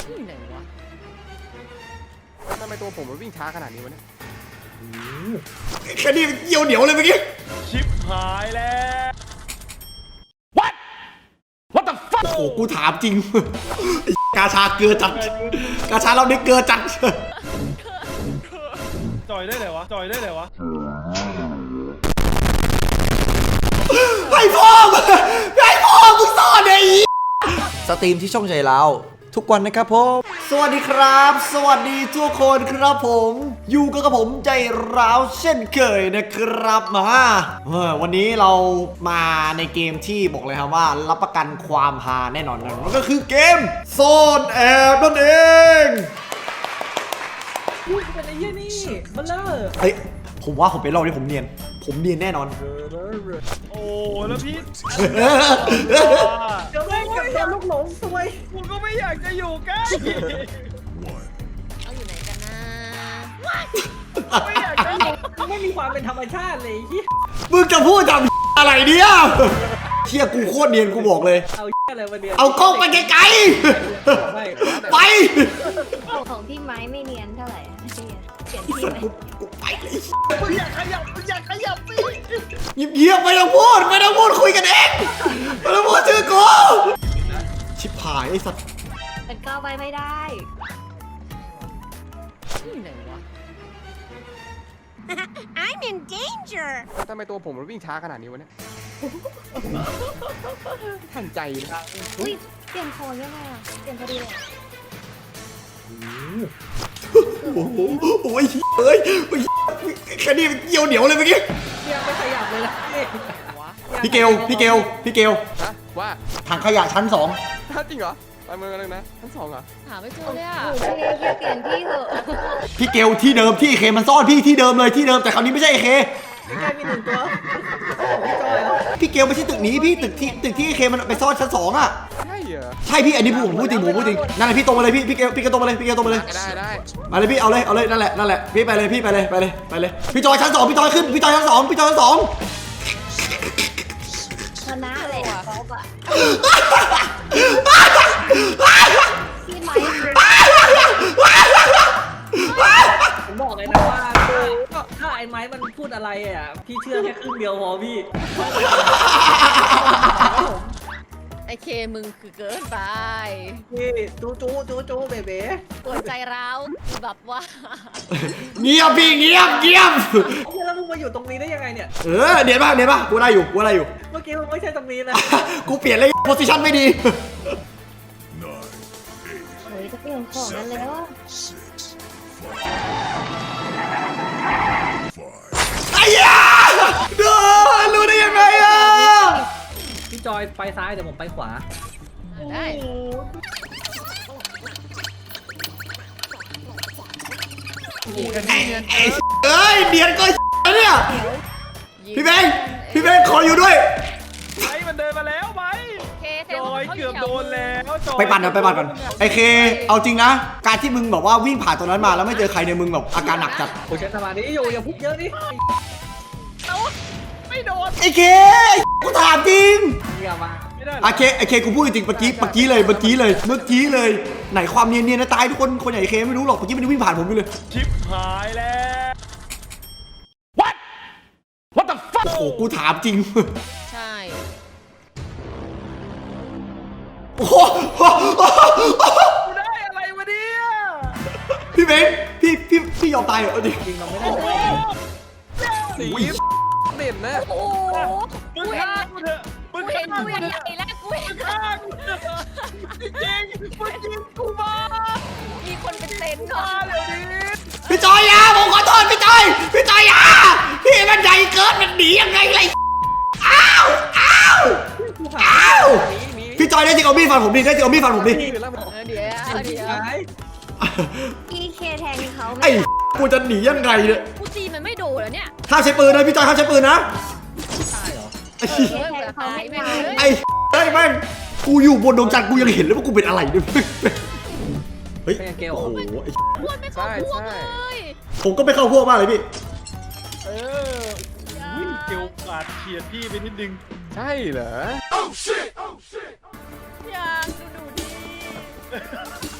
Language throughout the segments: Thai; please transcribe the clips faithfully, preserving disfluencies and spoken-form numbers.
ที่ไหนวะทำไมตัวผมมันวิ่งช้าขนาดนี้วะเนี่ยแค่นี้เกี่ยวเหนียวเลยเมื่อกี้ชิปหายแล้ว What What the fuck โอ้โหกูถามจริงกาชาเกลือจัดกาชาเราเนี่ยเกลือจัดจอยได้เลยวะจอยได้เลยวะให้พ่อให้พ่อมึงซ่อนไอ้สตรีมที่ช่องใจเราทุกวันนะครับผมสวัสดีครับ สวัสดีทุกคนครับผมอยู่กับผมใจร้าวเช่นเคยนะครับมาวันนี้เรามาในเกมที่บอกเลยครับว่ารับประกันความฮาแน่นอนนะมันก็คือเกมซ่อนแอบนั่นเองพูดเป็นไอ้เหี้ยนี่มาเลยเฮ้ยผมว่าผมเป็นรอบนี้ผมเนียนผมเนียนแน่นอนโอ้แล้วพี่เดี๋ยวไม่กับโดนลูกหลงซวยกูก็ไม่อยากจะอยู่ใกล้เอาอยู่ไหนกันนะไม่อยากจะอยู่ไม่มีความเป็นธรรมชาติเลยที่มึงจะพูดทำอะไรเนี่ยเชี่ยกูโคตรเนียนกูบอกเลยเอาอะไรมาเนียนเอากล้องไปไกลๆไปของพี่ไม้ไม่เนียนเท่าไหร่เปลี่ยนที่ไหมกูไปเลยมึงอยากขยับมึงอยากขยับสิเงียบๆไม่ต้องพูดไม่ต้องพูดคุยกันเองไม่ต้องพูดชื่อกูชิบหายไอ้สัตว์เป็นก้าวไปไม่ได้ที่ไหนวะ I'm in danger ทำไมตัวผมมันวิ่งช้าขนาดนี้วะเนี่ยทันใจนะอุ้ยเปลี่ยนโคนยังไงอ่ะเปลี่ยนพอดีเลยโอ้โหโอ้ยเฮ้ยแค่นี้เกี่ยวเหนียวเลยเมื่อกี้ยังไม่ขยับเลยนะพี่เกลพี่เกลพี่เกลฮะว่าถังขยะชั้นสองจริงเหรอไปเมืองกันเลยนะชั้นสองเหรอหาไม่เจอเลยอ่ะพี่เปลี่ยนที่เถอะพี่เกลที่เดิมที่เคมันซ่อนพี่ที่เดิมเลยที่เดิมแต่คราวนี้ไม่ใช่เคพี่จอยมีหนึ่งตัวพี่จอยพี่เกลไม่ใช่ตึกนี้พี่ตึกที่ตึกที่เคมันไปซ่อนชั้นสองอ่ะใช่เหรอใช่พี่อันนี้ผมพูดจริงผมพูดจริงนั่นแหละพี่ตรงมาเลยพี่พี่เกลพี่เกลตรงมาเลยพี่เกลตรงมาเลยได้ได้มาเลยพี่เอาเลยเอาเลยนั่นแหละนั่นแหละพี่ไปเลยพี่ไปเลยไปเลยไปเลยพี่จอยชั้นสองพี่จอยขึ้นพี่จอยชั้นสองพี่จอยชั้นสองชนะเลยเขาอะพี่ไม้ผมบอกเลยนะว่าถ้าไอ้ไม้มันพูดอะไรอ่ะพี่เชื่อแค่ครึ่งเดียวพอพี่ไอเคมึงคือเกินไปพี่จูจูจูจูเบเบ้ปวดใจร้าวแบบว่าเงียบพี่เงียบเงียบแล้วมึงมาอยู่ตรงนี้ได้ยังไงเนี่ยเออเดี๋ยวป่ะเดี๋ยวป่ะกูได้อยู่กูได้อยู่เมื่อกี้มึงไม่ใช่ตรงนี้นะกูเปลี่ยนเลยโพสิชั่นไม่ดีโอ้ยจะเปลี่ยนของกันแล้วไอ้ยาดูรู้ได้ยังไงอ่ะพี่จอยไปซ้ายเดี๋ยวผมไปขวาได้เอ้ยเดียนก็เนี่ยพี่เบงพี่เบงขออยู่ด้วยไอ้มันเดินมาแล้วไหมจอยเกือบโดนแล้วไปปั่นนะไปปั่นก่อนไอเคเอาจริงนะการที่มึงแบบว่าวิ่งผ่านตรงนั้นมาแล้วไม่เจอใครเนี่ยมึงแบบอาการหนักจัดโอ้ยใช้สมาธิอยู่อย่าพุกเยอะดิไม่โดนไอเคกูถามจริงอย่ามาไอเคไอเคกูพูดจริงเมื่อกี้เมื่อกี้เลยเมื่อกี้เลยเมื่อกี้เลยไหนความเนียนเนียนนะตายทุกคนคนใหญ่เคไม่รู้หรอกเมื่อกี้มันวิ่งผ่านผมไปเลยชิปหายแล้ว What What the fuck โอ้โหกูถามจริงใช่โอ้โหกูได้อะไรวะเนี่ยพี่เบนพี่พี่พี่ยอมตายเหรอจริงจริงเราไม่ได้สีเด่นนะโอ้โหมึงฆ่ากูเถอะมึงกูเห็นฆ่ากูกูเถใหอะญ่แล้วกูเห็นฆ่ากูเถอะจริงๆมึงยิงกูมามีคนเป็นเต็นท์ก่อฆ่าน เดี๋ยวนี้พี่จอยยาผมขอโทษพี่จอยพี่จอยยาพี่มันใหญ่เกินมันหนียังไงเลยอ้าวอ้าวอ้าวพี่จอยได้จริงเอามีดฟันผมดิได้จริงเอามีดฟันผมดิเดี๋ยวเดี๋ยวพี่เคแทงเขาไหมไอ้กูจะหนียังไงเนี่ยกูตีมันไม่โดนแล้วเนี่ยห้ามใช้ปืนนะพี่จอยห้ามใช้ปืนนะตายเหรอเคแทงเขาไม่ได้ไอ้ไอ้แม่งกูอยู่บนดวงจันทร์กูยังเห็นเลยว่ากูเป็นอะไรเนี่ยเฮ้ยโอ้โหพวกไม่เข้าพวกเลยผมก็ไม่เข้าพวกมากเลยพี่เออวิ่งเกี่ยวกาดเฉียดพี่ไปนิดนึงใช่เหรอ Oh shit Oh shit อยากดูดูดี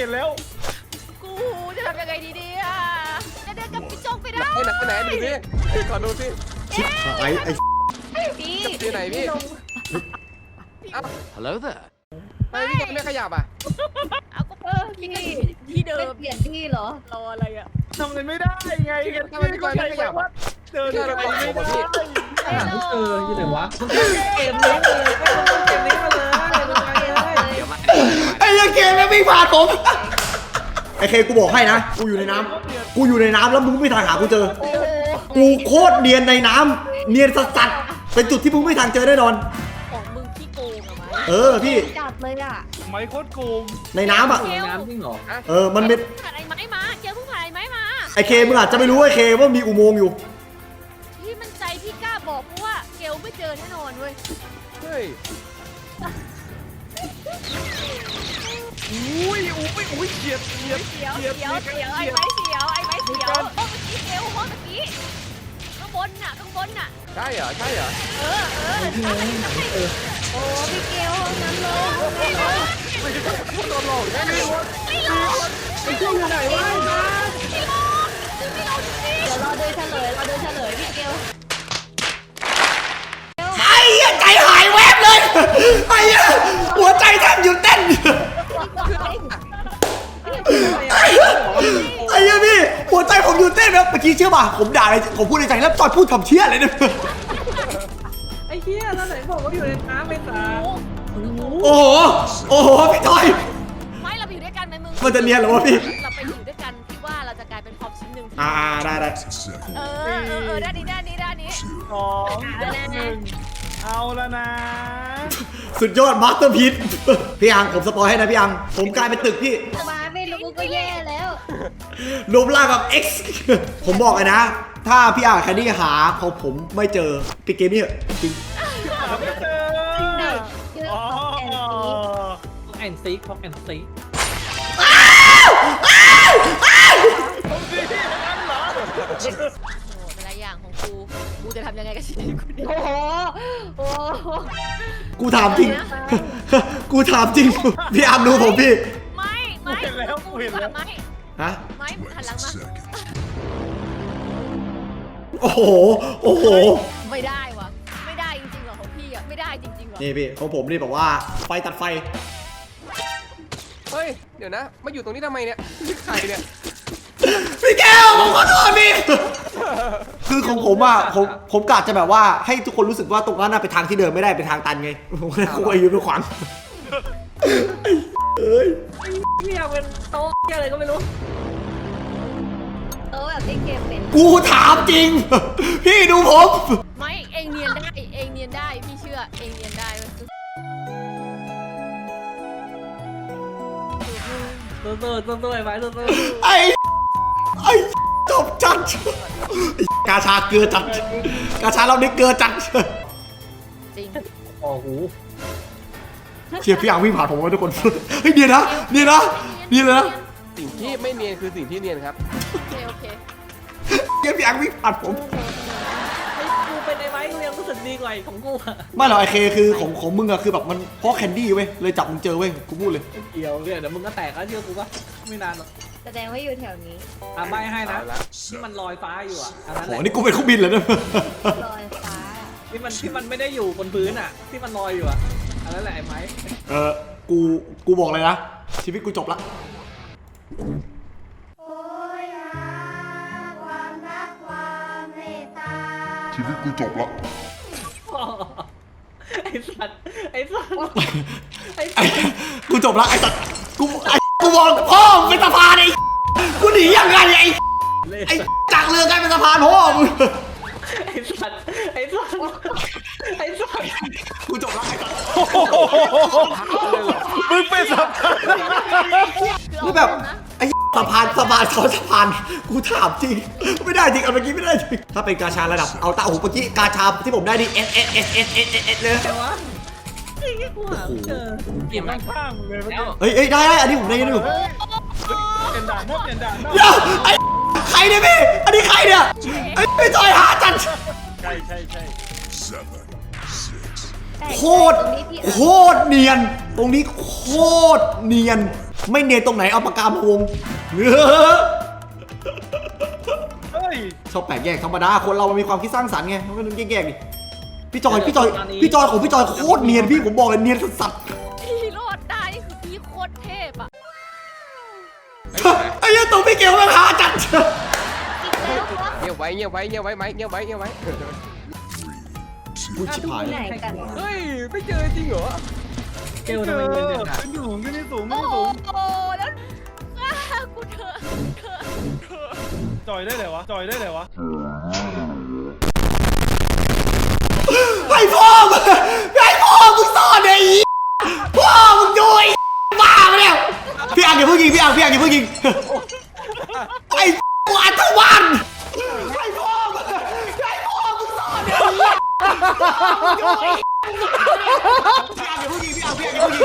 เห็นแล้วกูจะทำยังไงดีเนี่ยจะเดินกับพี่โจงไปได้ไอ้ไหนไปไหนดูสิขอดูสิชิบหายไอ้พี่ที่ไหนพี่เอ้า Hello there. ทำไมพี่โจไม่ขยับอ่ะเอาก็เออพี่ก็อยู่ที่เดิมเปลี่ยนที่เหรอรออะไรอ่ะทำอะไรไม่ได้ไงกันทำไมพี่จอยไม่ขยับอ่ะเดินไปไม่ได้หาไม่เจออยู่ไหนวะมึงเล่นเกมนี้มาเลยไม่ต้องเล่นเกมนี้มาเลยมึงไปเลยเดี๋ยวมาไอ้เหี้ยเคแม่งวิ่งผ่านผมไอ้เคกูบอกให้นะกูอยู่ในน้ำกูอยู่ในน้ำแล้วมึงไม่ทางหากูเจอโอ้โหกูโคตรเนียนในน้ำเนียนสัสๆเป็นจุดที่มึงไม่ทางเจอแน่นอนของมึงขี้โกงอะไหมเออพี่จัดเลยอ่ะไม้โคตรโกงในน้ำอ่ะอยู่ในน้ำจริงเหรอเออมันเป็นผ่านไอ้ไม้มาเจอเพิ่งผ่านไอ้ไม้มาไอ้เคมึงอาจจะไม่รู้ไอ้เคว่ามีอุโมงค์อยู่ที่มันใจพี่กล้าบอกเพราะว่าเกลไม่เจอแน่นอนเว้ยเฮ้ยอุ้ยอุ้ยอุ้ยเฉียดเฉียดเสียวเสียวเสียวไอ้ไม้เสียวไอ้ไม้เสียวโอ้เมื่อกี้เกลโอ้เมื่อกี้ข้างบนน่ะข้างบนน่ะใช่เหรอใช่เหรอเออเออทำให้ทำให้โอ้พี่เกลนั้นเลยไม่เลยโดนหลอกแน่เลยไม่ลงไอ้เจ้าอยู่ไหนวะไม่ลงไม่ลงจริงเดี๋ยวรอดูเฉลยรอดูเฉลยพี่เกลไอ้เหี้ยใจหายแวบเลยไอ้เหี้ยหัวใจแทบหยุดเต้นไอ้เหี้ยพี่หัวใจผมหยุดเต้นแล้วเมื่อกี้เชื่อป่ะผมด่าอะไรผมพูดในใจแล้วจอยพูดคำเชี่ยอะไรเนี่ยไอ้เหี้ยแล้วไหนบอกว่าอยู่ในน้ำไม่ตาโอ้โหโอ้โหพี่จอยไม่เราไปอยู่ด้วยกันไหมมึงมันจะเนียนเหรอวะพี่เราไปอยู่ด้วยกันพี่ว่าเราจะกลายเป็นพร็อพชิ้นหนึ่งอ่าได้ได้เออเออเออด้านนี้ด้านนี้ด้านนี้สองหนึ่งเอาแล้วนะสุดยอดมาสเตอร์พีซพี่อังผมสปอยให้นะพี่อังผมกลายเป็นตึกพี่มาไม่รู้ก็แย่แล้วรวมร่างกับ X ผมบอกเลยนะ ถ้าพี่อังแคนดี้หาของผมไม่เจอปิดเกมนี่เถอะจริงไม่เจอชื่ออ๋อแอนซีพ็อกแอนซีพ็อกแอนซีโอ้แต่ละอย่างของกูกูจะทำยังไงกับชีวิตกูเนี่ยโอ้โหโอ้โหกูถามจริง กูถามจริง พี่อังดูผมพี่ไม่ไม่กูดีกว่าไม่ฮะไม่หันหลังมาโอ้โหโอ้โหไม่ได้วะไม่ได้จริงๆหรอของพี่อ่ะไม่ได้จริงๆหรอนี่พี่ของผมนี่บอกว่าไฟตัดไฟเฮ้ยเดี๋ยวนะมาอยู่ตรงนี้ทำไมเนี่ยนี่ใครเนี่ยพี่แก้วผมขอโทษพี่ คือของผมอ่ะผมผมกะจะแบบว่าให้ทุกคนรู้สึกว่าตรงนั้นน่ะเป็นทางที่เดินไม่ได้เป็นทางตันไงผมก็เลยคุยอยู่ด้วยขวางเอ้ยพี่อยากเป็นโต๊ะเหี้ยอะไรก็ไม่รู้เออแบบที่เกมเป็นกูถามจริง พี่ดูผมไม่เองเนียนได้เองเนียนได้พี่เชื่อเองเนียนได้เว้ยตัวตัวตัวตัวไอ้ไม้ตัวตัวไอ้ไอ้จบจัดไอ้กาชาเกลือจัดกาชาเรานี่เกลือจัดจริงโอ้โหเชียร์พี่อังวิ่งผ่านผมไว้ทุกคน เฮ้ยเดี๋ยวนะเดี๋ยวนะเดี๋ยวนะสิ่งที่ไม่เนียนคือสิ่งที่เนียนครับโอเคโอเคเชียร์พี่อังวิ่งผ่านผมไอ้กูเป็นไอ้ไม้กูยังรู้สึกดีกว่าไอ้ของกูอะไม่หรอกไอเคคือของของมึงอะคือแบบมันเพราะแคนดี้เว้ยเลยจับมึงเจอเว้ยกูพูดเลยเกี่ยวเนี่ยเดี๋ยวมึงก็แตกแล้วเชื่อกูปะไม่นานหรอกแสดงว่าอยู่แถวนี้อ่ะใบให้นะเอาละที่มันลอยฟ้าอยู่อ่ะอันนั้นโหแหละนี่กูเป็นเครื่องบินเลยนะลอยฟ้าที่มันที่มันไม่ได้อยู่บนพื้นอ่ะ ที่มันลอยอยู่อ่ะอันนั้นแหละไอ้ไม้เออกูกูบอกเลยนะชีวิตกูจบละชีวิตกูจบละไอ้สัตว์ไอ้สัตว์ไอ้ไอ้สัตว์กูจบละไอ้สัตว์กูไอ้กูบอกพ่อมึงเป็นสะพานไอ้กูหนียังไงไอ้ไอ้จากเรือกลายเป็นสะพานพ่อมึงไอ้สัตว์ไอ้สัตว์ไอ้สัตว์กูจบละไอ้สัตว์มึงเป็นสับนี่แบบไอ้สะพานสะพานเขาสะพานกูถามจริงไม่ได้จริงเอาเมื่อกี้ไม่ได้จริงถ้าเป็นกาชาระดับเอาตาหูเมื่อกี้กาชาที่ผมได้นี่ S S S S S S S เลยแต่ว่าไอ้เหี้ยกูหาไม่เจอเก็บข้างๆเลยเมื่อกี้เฮ้ยเฮ้ยได้ได้อันนี้ผมได้ยังอยู่เปลี่ยนด่านนะเปลี่ยนด่านนะเดี๋ยวไอ้ใครเนี่ยพี่อันนี้ใครเนี่ยไอ้ไม่จอยหาจัดใช่ใช่ใช่ seven six แต่โคตรตรงนี้พี่โคตรเนียน ตรงนี้โคตรเนียนไม่เนียนตรงไหนเอาปากกามาวงเฮ้ยชอบแปลกแยกธรรมดาคนเรามันมีความคิดสร้างสรรค์ไงมันก็ต้องแยกๆดิพี่จอยพี่จอยพี่จอยของพี่จอยโคตรเนียนพี่ผมบอกเลยเนียนสัสพี่รอดได้นี่คือพี่โคตรเทพอ่ะๆไอ้เหี้ยตัวพี่เกลมันหาจัดเงียบไว้เงียบไว้เงียบไว้ไหมเงียบไว้เงียบไว้พูดชิบหายไหนกันเฮ้ยไม่เจอจริงเหรอเกลทำไมเงินเดือนหายขึ้นสูงขึ้นที่สูงขึ้โอ้นที่สูงโหแล้วฆ่ากูเถอะเถอะเถอะจอยได้เลยวะจอยได้เลยวะไอ้พ่อมึงไอ้พ่อมึงซ่อนไอ้พ่อมึงดูไอ้บ้าไปแล้วพี่อังอย่าเพิ่งยิงพี่อังพี่อังอย่าเพิ่งยิงไอ้กูอัตวันไอ้พ่อมึงไอ้พ่อมึงซ่อนไอ้พี่อังอย่าเพิ่งยิงพี่อังพี่อังอย่าเพิ่งยิง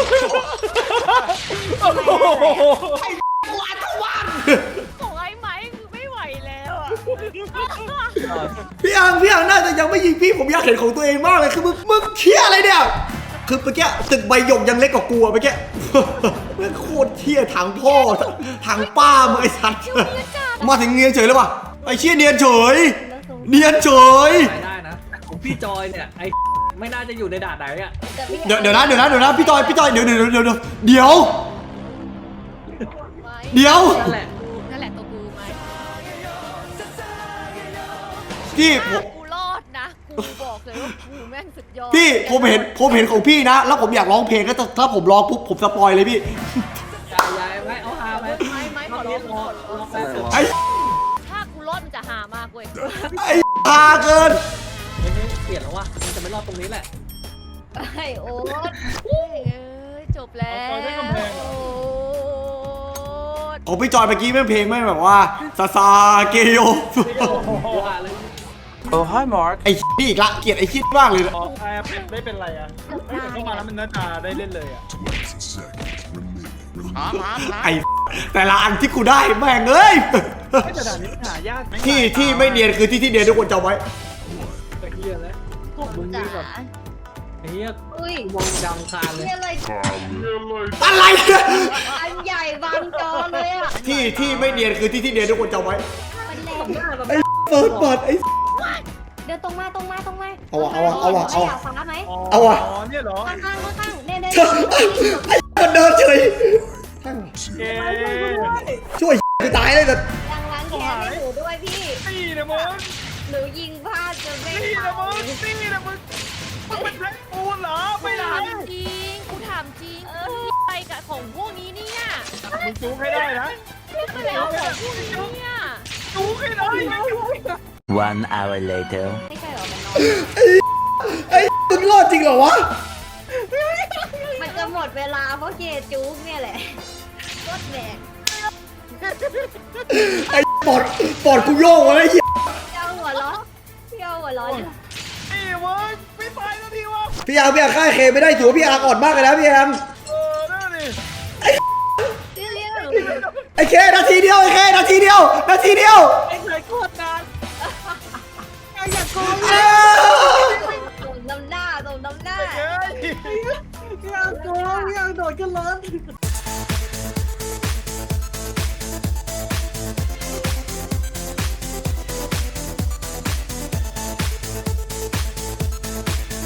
ไอ้กูอัตวันของไอ้ไม้คือไม่ไหวแล้วอ่ะพี่อังพี่อังน่าจะยังไม่ยิงพี่ผมอยากเห็นของตัวเองมากเลยคือมึงมึงเคี้ยอะไรเนี่ยคือเมื่อกี้ตึกใบหยกยังเล็กกว่ากูอะเมื่อกี้มันโคตรเที่ยทางพ่อทางป้ามึงไอ้สัตว์มาถึงเนียนเฉยเลยว่ะไอ้เชี่ยเนียนเฉยเนียนเฉยได้ได้นะแต่ของพี่จอยเนี่ยไอ้ไม่น่าจะอยู่ในด่านไหนอ่ะเดี๋ยวเดี๋ยวนะเดี๋ยวนะเดี๋ยวนะพี่จอยพี่จอยเดี๋ยวเดี๋ยวเดี๋ยวเดี๋ยวเดี๋ยวไม้เดี๋ยวนั่นแหละนั่นแหละตัวกูไหมพี่ผมกูรอดนะกูบอกเลยว่ากูแม่งสุดยอดพี่ผมเห็นผมเห็นของพี่นะ แล้วผมอยากร้องเพลงก็แต่ถ้าผมร้องปุ๊บผมสปอยเลยพี่ยายยายไว้เอาฮาไว้ไม้ไม้ขอรร้อองรอรอแป๊บนึงไอ้ถ้ากูรอดมันจะหามากเว้ยไอ้พาเกินไม่ไม่เปลี่ยนแล้ววะมันจะไม่รอดตรงนี้แหละไอโอ๊ตเอ้ยจบแล้วของพี่จอยเมื่อกี้แม่งเพลงแม่งแบบว่าซาซาเกโยว่าเลยไอ้นี่อีกละเกลียดไอ้คิดมากเลยขอแอบไม่เป็นไรอ่ะเฮ้ยแต่เข้ามาแล้วมันน่าจะได้เล่นเลยอ่ะ twenty seconds remaining. ถามถามถามไอ้แต่ละอันที่กูได้แม่งเอ้ยไม่แต่ด่านนี้หายากที่ที่ไม่เนียนคือที่ที่เนียนทุกคนจำไว้ไอ้เหี้ยแล้วพวกมึงจ๋านี่แบบไอ้เหี้ยอุ้ยมองดำคานเลยนี่อะไรอะไรเนี่ยอันใหญ่บางจอเลยอ่ะที่ที่ไม่เนียนคือที่ที่เนียนทุกคนจำไว้มันแรงหน้าแบบไอ้เปิดเปิดไอ้เดินตรงมาตรงมาตรงมาเอาว่ะเอาว่ะเอาว่ะเอาว่ะอยากฟ้าไหมเอาว่ะอ๋อเนี่ยเหรอข้างข้างข้างข้างเนี่ยเนี่ยไอ้มันเดินเฉยเอ๊ช่วยกูตายเลยแต่ยังล้างแค้นให้หนูด้วยพี่นี่นะมึงหนูยิงพลาดจนไม่นี่นะเข้ามึงนี่นะมึงมึงเป็นแท็กปูนเหรอไม่ถาได้มจริงกูถามจริงไปกับของพวกนี้เนี่ยมึงจูงให้ได้นะไปแล้วของพวกนี้เนี่ยจูงให้ได้ One hour later. ไม่ใช่หรอมันนอนไอ้มึงรอดจริงเหรอวะมันจะหมดเวลาเพราะเกจุ๊กเนี่ยแหละรถแบกไอ้ปอดปอดกูโยกอะไรเหี้ยเจ้าหัวล้อเจ้าหัวล้อนี่มึงไม่ตายแล้วทีวะพี่อังพี่อังฆ่าเคไม่ได้ถือว่าพี่อังอ่อนมากเลยนะพี่อังเออนั่นนี่เรียกไอ้เคนาทีเดียวไอ้เคนาทีเดียวนาทีเดียวไอ้ไหนโคตรนานเอ้าส่งน้ำหน้าส่งน้ำหน้าเฮ้ยพี่อังโกงพี่อังโดดขึ้นรถ